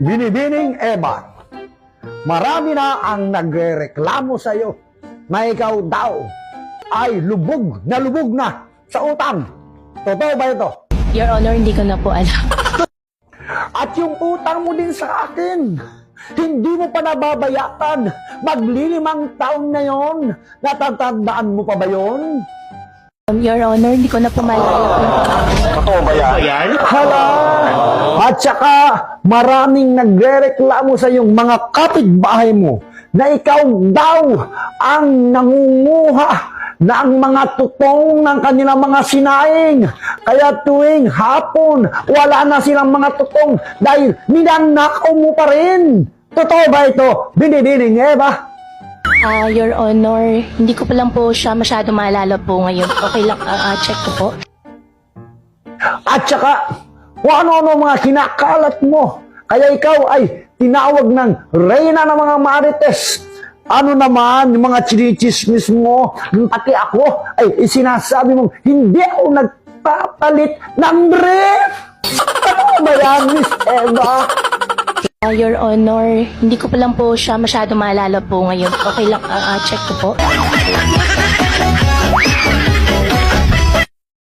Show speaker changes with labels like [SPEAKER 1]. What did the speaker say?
[SPEAKER 1] Binibining Eva, marami na ang nagrereklamo sa iyo na ikaw daw ay lubog na sa utang. Totoo ba ito?
[SPEAKER 2] Your Honor, hindi ko na po alam.
[SPEAKER 1] At yung utang mo din sa akin, hindi mo pa nababayatan. Maglilimang taon na yon. Natatandaan mo pa ba yon?
[SPEAKER 2] Your Honor, hindi ko na po maalala.
[SPEAKER 1] Totoo ba yan? Hala! At saka, maraming nagrereklamo sa iyong mga kapitbahay mo na ikaw daw ang nangunguha ng mga tutong ng kanilang mga sinaing. Kaya tuwing hapon, wala na silang mga tutong dahil ninanakaw mo pa rin. Totoo ba ito? Binibining Eva?
[SPEAKER 2] Your Honor, hindi ko pa lang po siya masyado maalala po ngayon. Okay lang, check ko po.
[SPEAKER 1] At saka, kung ano-ano mga kinakalat mo. Kaya ikaw ay tinawag ng reyna ng mga marites. Ano naman yung mga chinichismis mo, pati ako ay sinasabi mong hindi ako nagpapalit ng brief. Ano ba yan, Miss Eva?
[SPEAKER 2] Your Honor, hindi ko pa lang po siya masyado maalala po ngayon. Okay lang, check ko po.